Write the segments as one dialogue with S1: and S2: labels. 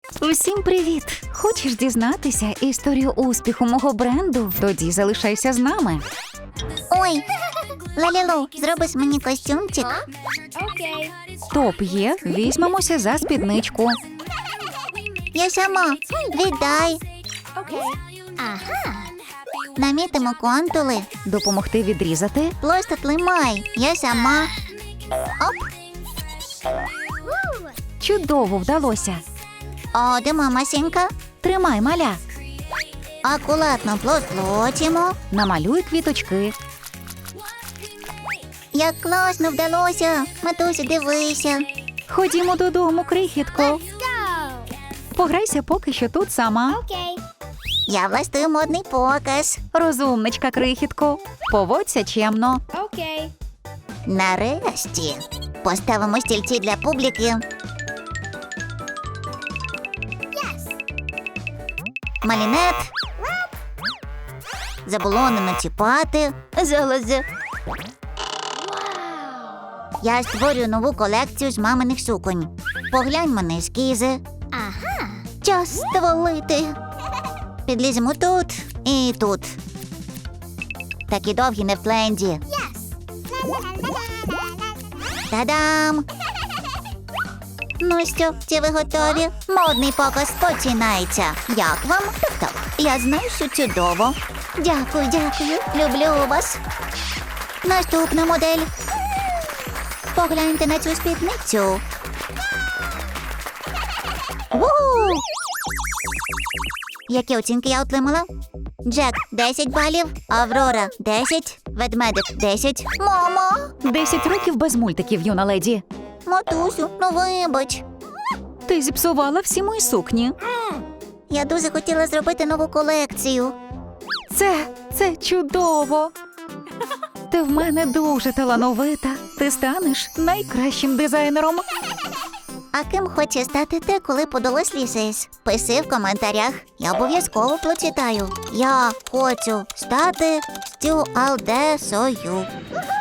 S1: Усім привіт! Хочеш дізнатися історію успіху мого бренду? Тоді залишайся з нами.
S2: Ой, Лалілу, зробиш мені костюмчик?
S1: Топ є, візьмемося за спідничку.
S2: Я сама. Віддай. Намітимо контури.
S1: Допомогти відрізати?
S2: Просто тримай. Я сама. Оп.
S1: Чудово вдалося.
S2: О, де мамасінька?
S1: Тримай, маля.
S2: Акуратно плотимо.
S1: Намалюй квіточки.
S2: Як класно вдалося. Матусю, дивися.
S1: Ходімо додому, крихітко. Пограйся поки що тут сама.
S2: Я влаштую модний показ.
S1: Розумничка, крихітко. Поводься чемно.
S2: Нарешті. Поставимо стільці для публіки. Малінет. Заболонено чіпати. Залози. Я створюю нову колекцію з маминих суконь. Погляньмо на ескізи. Час стволити. Підліземо тут і тут. Такі довгі не в тренді. Та-дам! Ну що, чи ви готові? Модний показ починається. Як вам? Так, я знаю, що чудово. Дякую. Люблю вас. Наступна модель. Погляньте на цю спідницю. Ву! Які оцінки я отримала? Джек – 10 балів, Аврора – 10, ведмедик – 10. Мамо!
S1: 10 років без мультиків, юна леді.
S2: Матусю, ну вибач.
S1: Ти зіпсувала всі мої сукні.
S2: Я дуже хотіла зробити нову колекцію.
S1: Це чудово. Ти в мене дуже талановита. Ти станеш найкращим дизайнером.
S2: А ким хоче стати ти, коли подорослішаєш? Пиши в коментарях. Я обов'язково прочитаю. Я хочу стати стюардесою.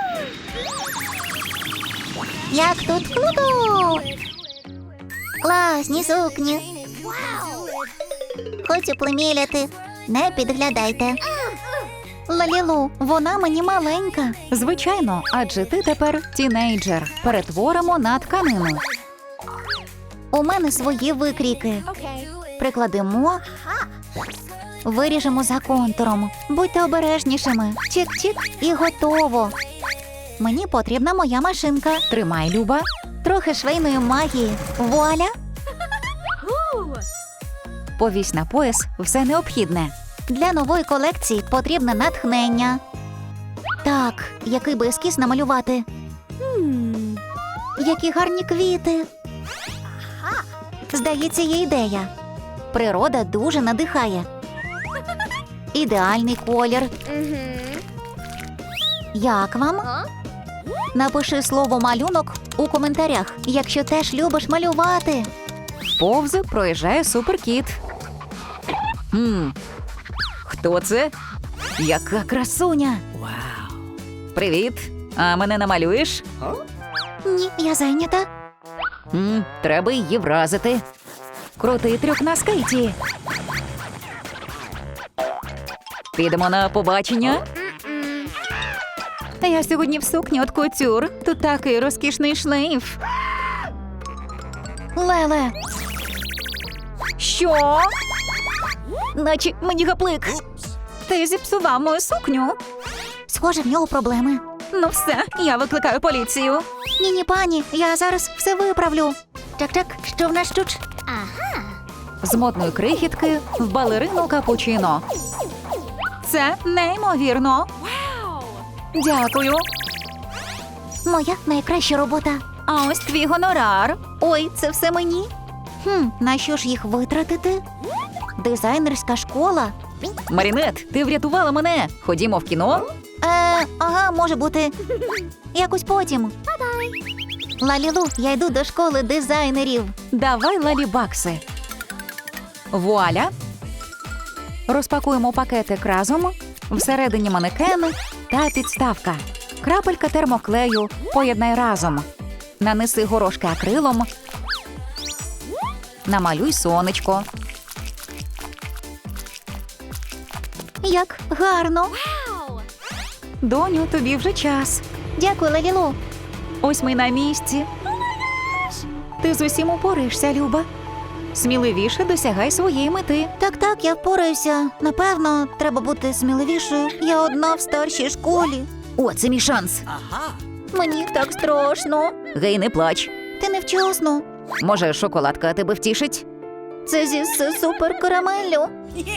S2: Як тут круто! Класні сукні. Хочу приміряти. Не підглядайте.
S1: Лалілу, вона мені маленька. Звичайно, адже ти тепер тінейджер. Перетворимо на тканину.
S2: У мене свої викрійки.
S1: Прикладемо. Виріжемо за контуром. Будьте обережнішими. Чик-чик і готово. Мені потрібна моя машинка. Тримай, Люба.
S2: Трохи швейної магії. Вуаля!
S1: Повісь на пояс все необхідне.
S2: Для нової колекції потрібне натхнення. Так, який би ескіз намалювати? Які гарні квіти. Здається, є ідея. Природа дуже надихає. Ідеальний колір. Як вам? Напиши слово «малюнок» у коментарях, якщо теж любиш малювати.
S1: Повз проїжджає суперкіт. Хто це? Яка красуня! Привіт! А мене намалюєш?
S2: Ні, я зайнята.
S1: Треба її вразити. Крутий трюк на скейті. Підемо на побачення? Я сьогодні в сукні от кутюр. Тут такий розкішний шлейф. Леле! Що? Наче мені гаплик. Ти зіпсував мою сукню.
S2: Схоже, в нього проблеми.
S1: Ну все, я викликаю поліцію.
S2: Ні, пані, я зараз все виправлю. Так, що в нас тут?
S1: З модної крихітки в балерину капучино. Це неймовірно. Дякую.
S2: Моя найкраща робота.
S1: А ось твій гонорар.
S2: Ой, це все мені? На що ж їх витратити? Дизайнерська школа?
S1: Марінет, ти врятувала мене. Ходімо в кіно.
S2: Ага, може бути. Якось потім. Лалілу, я йду до школи дизайнерів.
S1: Давай лалібакси. Вуаля. Розпакуємо пакетик разом. Всередині манекен та підставка. Крапелька термоклею. Поєднай разом. Нанеси горошки акрилом. Намалюй сонечко.
S2: Як гарно.
S1: Доню, тобі вже час.
S2: Дякую, Лалілу.
S1: Ось ми на місці. Ти з усім упораєшся, Люба. Сміливіше досягай своєї мети.
S2: Так, я впораюся. Напевно, треба бути сміливішою. Я одна в старшій школі.
S1: О, це мій шанс.
S2: Мені так страшно.
S1: Гей, не плач.
S2: Ти невчасно.
S1: Може, шоколадка тебе втішить?
S2: Це зі супер карамеллю.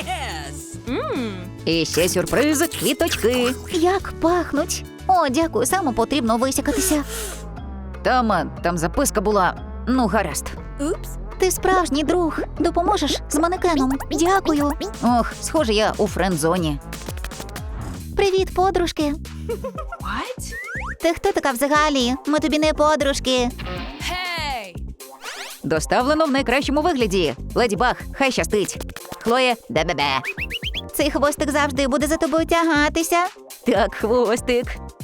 S1: І ще сюрприз – квіточки.
S2: Як пахнуть. О, дякую, саме потрібно висякатися.
S1: Там записка була. Ну, гаразд.
S2: Ти справжній друг. Допоможеш з манекеном. Дякую.
S1: Ох, схоже, я у френд-зоні.
S2: Привіт, подружки. Ти хто така взагалі? Ми тобі не подружки.
S1: Доставлено в найкращому вигляді. Леді Баг, хай щастить. Хлоє, бе-бе-бе.
S2: Цей хвостик завжди буде за тобою тягатися.
S1: Так, хвостик.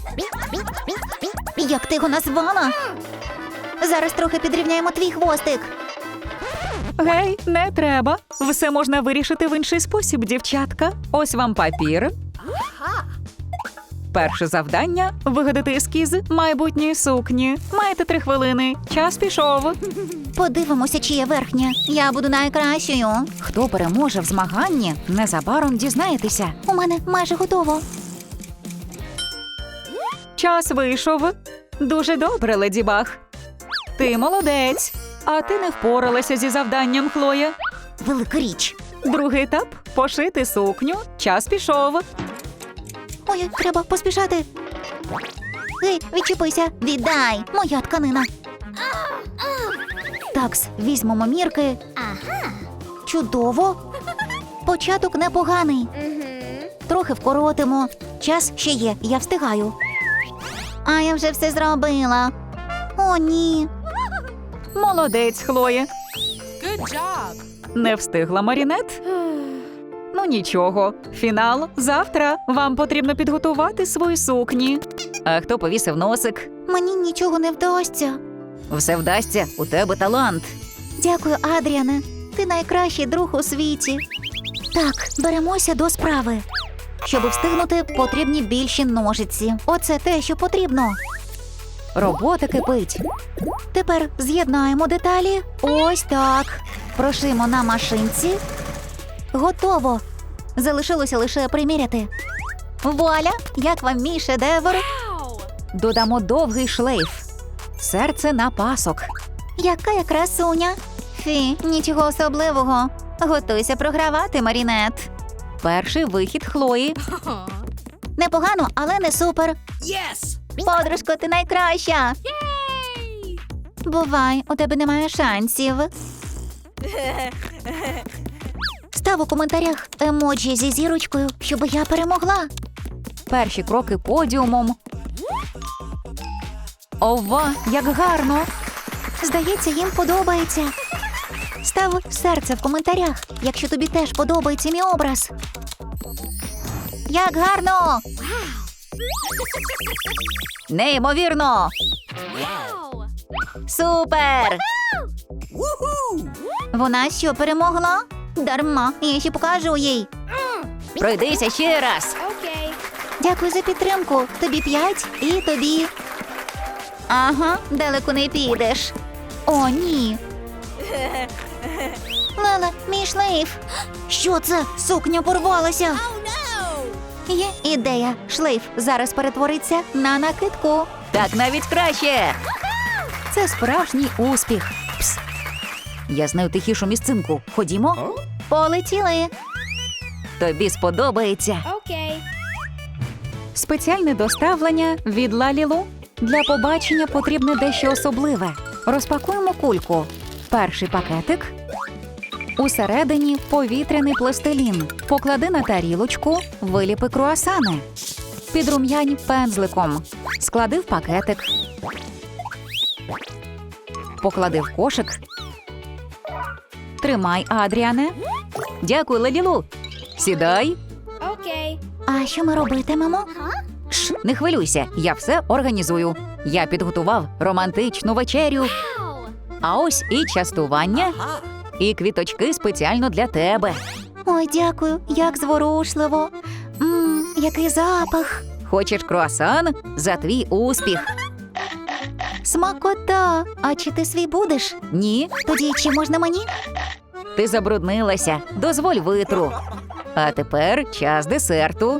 S2: Як ти його назвала? Зараз трохи підрівняємо твій хвостик.
S1: Гей, не треба. Все можна вирішити в інший спосіб, дівчатка. Ось вам папір. Перше завдання – вигадати ескіз майбутньої сукні. Маєте 3 хвилини. Час пішов.
S2: Подивимося, чиє верхнє. Я буду найкращою.
S1: Хто переможе в змаганні, незабаром дізнаєтеся.
S2: У мене майже готово.
S1: Час вийшов. Дуже добре, Леді Баг. Ти молодець. А ти не впоралася зі завданням, Хлоя.
S2: Велика річ.
S1: Другий етап – пошити сукню. Час пішов.
S2: Ой, треба поспішати. Гей, відчепися. Віддай. Моя тканина. Такс, візьмемо мірки. Чудово. Початок непоганий. Трохи вкоротимо. Час ще є, я встигаю. А я вже все зробила. О, ні.
S1: Молодець, Хлоє. Не встигла Марінет? Ну нічого, фінал завтра. Вам потрібно підготувати свої сукні. А хто повісив носик?
S2: Мені нічого не вдасться.
S1: Все вдасться, у тебе талант.
S2: Дякую, Адріане. Ти найкращий друг у світі. Так, беремося до справи. Щоб встигнути, потрібні більші ножиці. Оце те, що потрібно.
S1: Робота кипить.
S2: Тепер з'єднаємо деталі. Ось так. Прошимо на машинці. Готово. Залишилося лише приміряти. Вуаля! Як вам мій шедевр?
S1: Додамо довгий шлейф. Серце на пасок.
S2: Яка я красуня. Фі, нічого особливого. Готуйся програвати, Марінет.
S1: Перший вихід Хлої.
S2: Непогано, але не супер.
S3: Yes!
S2: Подружко, ти найкраща. Бувай, у тебе немає шансів. Став у коментарях емоджі зі зірочкою, щоб я перемогла.
S1: Перші кроки подіумом. Ова, як гарно!
S2: Здається, їм подобається. Став серце в коментарях, якщо тобі теж подобається мій образ. Як гарно!
S1: Неймовірно!
S2: Супер!
S3: Woohoo!
S2: Вона що, перемогла? Дарма, я ще покажу їй.
S1: Пройдися ще раз.
S2: Дякую за підтримку. Тобі 5 і тобі. Ага, далеко не підеш. О, ні. Леле, мій шлейф. Що це? Сукня порвалася. Є ідея. Шлейф зараз перетвориться на накидку.
S1: Так навіть краще. Це справжній успіх. Пс. Я знаю тихішу місцинку. Ходімо.
S2: Полетіли.
S1: Тобі сподобається. Спеціальне доставлення від Лалілу. Для побачення потрібне дещо особливе. Розпакуємо кульку. Перший пакетик. Усередині повітряний пластилін. Поклади на тарілочку, виліпи круасани. Підрум'янь пензликом. Склади в пакетик. Поклади в кошик. Тримай, Адріане. Дякую, Лалілу. Сідай.
S2: А що ми робитимемо?
S1: Шш, не хвилюйся, я все організую. Я підготував романтичну вечерю. А ось і частування. І квіточки спеціально для тебе.
S2: Ой, дякую, як зворушливо. Який запах.
S1: Хочеш круасан? За твій успіх.
S2: Смакота. А чи ти свій будеш?
S1: Ні,
S2: Тоді чи можна мені?
S1: ти забруднилася. Дозволь витру. А тепер час десерту.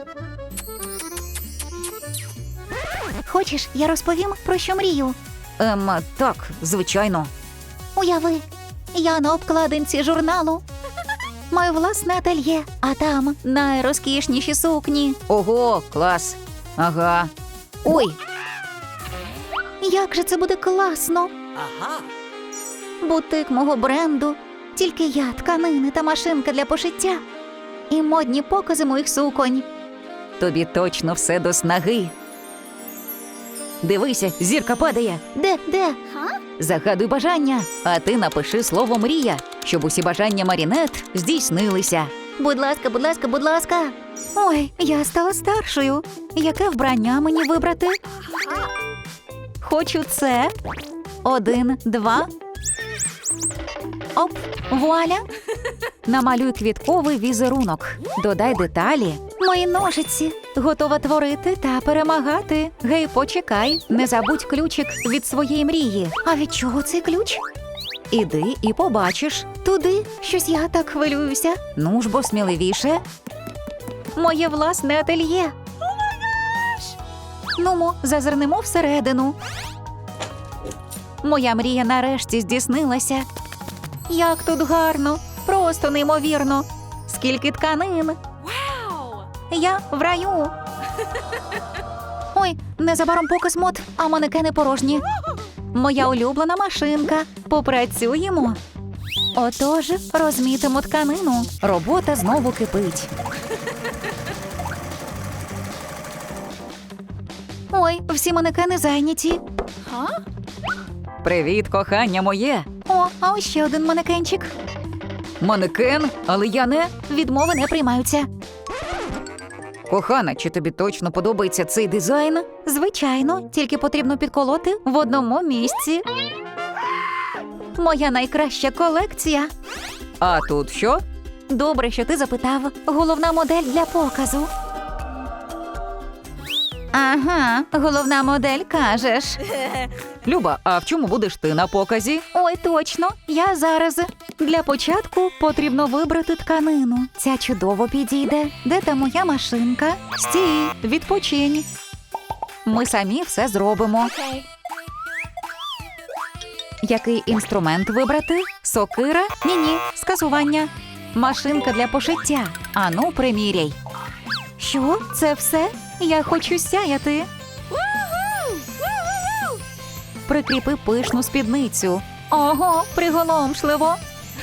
S2: Хочеш, я розповім, про що мрію?
S1: Так, звичайно.
S2: Уяви, я на обкладинці журналу. Маю власне ательє, а там найрозкішніші сукні.
S1: Ого, клас. Ага.
S2: Ой, як же це буде класно!
S3: Aha.
S2: Бутик мого бренду, тільки я, тканини та машинка для пошиття. І модні покази моїх суконь.
S1: Тобі точно все до снаги. Дивися, зірка падає.
S2: Де?
S1: Загадуй бажання, а ти напиши слово «мрія», щоб усі бажання Марінет здійснилися.
S2: Будь ласка, будь ласка, будь ласка. Ой, я стала старшою. Яке вбрання мені вибрати? Хочу це. 1, 2. Оп, вуаля.
S1: Намалюй квітковий візерунок. Додай деталі.
S2: Мої ножиці.
S1: Готова творити та перемагати. Гей, почекай, не забудь ключик від своєї мрії.
S2: А від чого цей ключ?
S1: Іди і побачиш.
S2: Туди. Щось я так хвилююся.
S1: Ну ж бо сміливіше.
S2: Моє власне ательє.
S1: Нумо, зазирнемо всередину. Моя мрія нарешті здійснилася.
S2: Як тут гарно, просто неймовірно. Скільки тканин. Я в раю. Ой, незабаром показ мод, а манекени порожні. Моя улюблена машинка. Попрацюємо. Отож, розмітимо тканину.
S1: Робота знову кипить.
S2: Ой, всі манекени зайняті.
S1: Привіт, кохання моє.
S2: О, а ось ще один манекенчик.
S1: Манекен, але я не...
S2: Відмови не приймаються.
S1: Кохана, чи тобі точно подобається цей дизайн?
S2: Звичайно, тільки потрібно підколоти в одному місці. Моя найкраща колекція.
S1: А тут що?
S2: Добре, що ти запитав. Головна модель для показу. Ага, головна модель, кажеш.
S1: Люба, а в чому будеш ти на показі?
S2: Ой, точно, я зараз. Для початку потрібно вибрати тканину. Ця чудово підійде. Де та моя машинка?
S1: Стій, відпочинь. Ми самі все зробимо. Який інструмент вибрати? Сокира? Ні-ні, скасування. Машинка для пошиття. Ану, приміряй.
S2: Що? Це все? Я хочу сяяти.
S1: Прикріпи пишну спідницю.
S2: Ого, приголомшливо.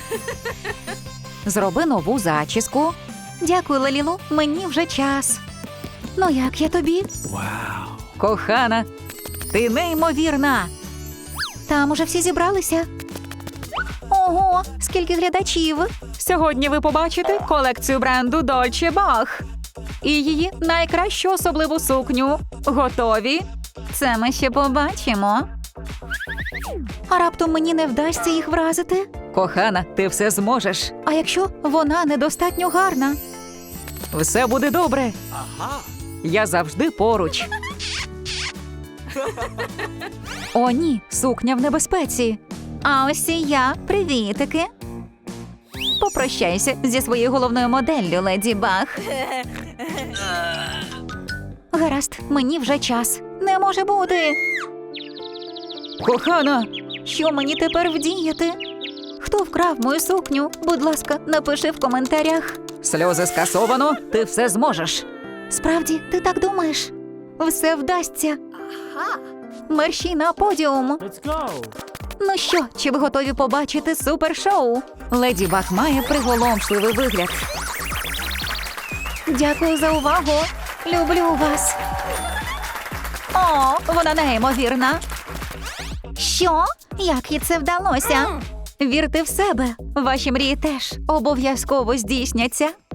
S1: Зроби нову зачіску.
S2: Дякую, Лалілу, мені вже час. Ну як я тобі?
S1: Кохана, ти неймовірна.
S2: Там уже всі зібралися. Ого, скільки глядачів.
S1: Сьогодні ви побачите колекцію бренду Dolce Bach. І її найкращу особливу сукню. Готові?
S2: Це ми ще побачимо. А раптом мені не вдасться їх вразити?
S1: Кохана, ти все зможеш.
S2: А якщо вона недостатньо гарна?
S1: Все буде добре.
S3: Aha.
S1: Я завжди поруч. О, ні, сукня в небезпеці.
S2: А ось і я. Привітики. Попрощайся зі своєю головною моделлю, Леді Баг. Гаразд, мені вже час. Не може бути.
S1: Кохана,
S2: Що мені тепер вдіяти? Хто вкрав мою сукню? Будь ласка, напиши в коментарях.
S1: сльози скасовано, ти все зможеш.
S2: Справді, ти так думаєш? Все вдасться. Мерщій на подіум.
S4: Let's go!
S2: Ну що, чи ви готові побачити супершоу?
S1: Леді Баг має приголомшливий вигляд.
S2: Дякую за увагу. Люблю вас. О, вона неймовірна. Що? Як їй це вдалося? Вірте в себе. Ваші мрії теж обов'язково здійсняться.